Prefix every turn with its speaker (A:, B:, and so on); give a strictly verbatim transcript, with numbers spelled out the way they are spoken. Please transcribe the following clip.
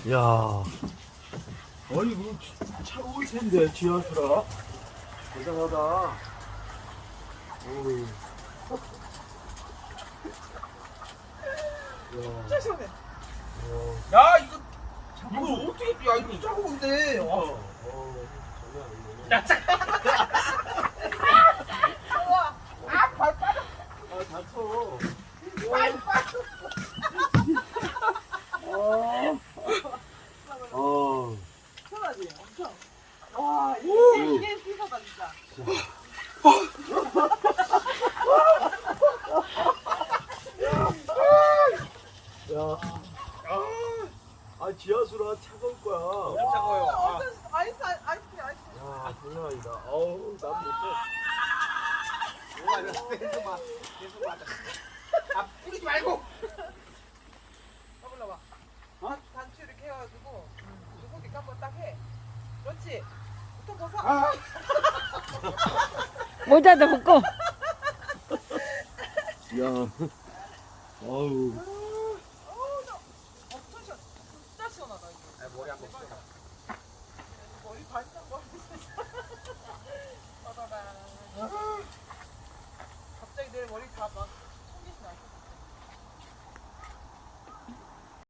A: 야, 아니 이거 차올 텐데 지하수라. 대단하다. 어우.
B: 진짜 시원해.
A: 어,
B: 야 이거 이거 어떻게 야 이거 작업인데. 와.
A: 어, 장난 아니네.
B: 우와. 아발 빠져.
A: 아, 다쳐.
B: 발 빠져.
A: 어. 어.
B: 시원하지 엄청. 와
A: 오.
B: 이게 이게 피서다 진짜.
A: 야. 아, 지하수라 차가울 거야.
B: 엄청 차가워요. 아. 아이스 아이스 아이스.
A: 야, 장난 아니다. 어우, 난 못해.
B: 뭐가 이거 계속 막 계속 맞아. 아 뿌리지 말고. 해볼라봐. 어? 단추 이렇게 해가지고 누구기 한번 딱 해. 그렇지. 보통 벗어. 아.
C: 모자도 벗고.
A: 야. 어우.
B: 어우 나 엄청 시원. 진짜 시원하다 이거.
D: 아, 머리 한번 써.
B: 머리 반짝 머리.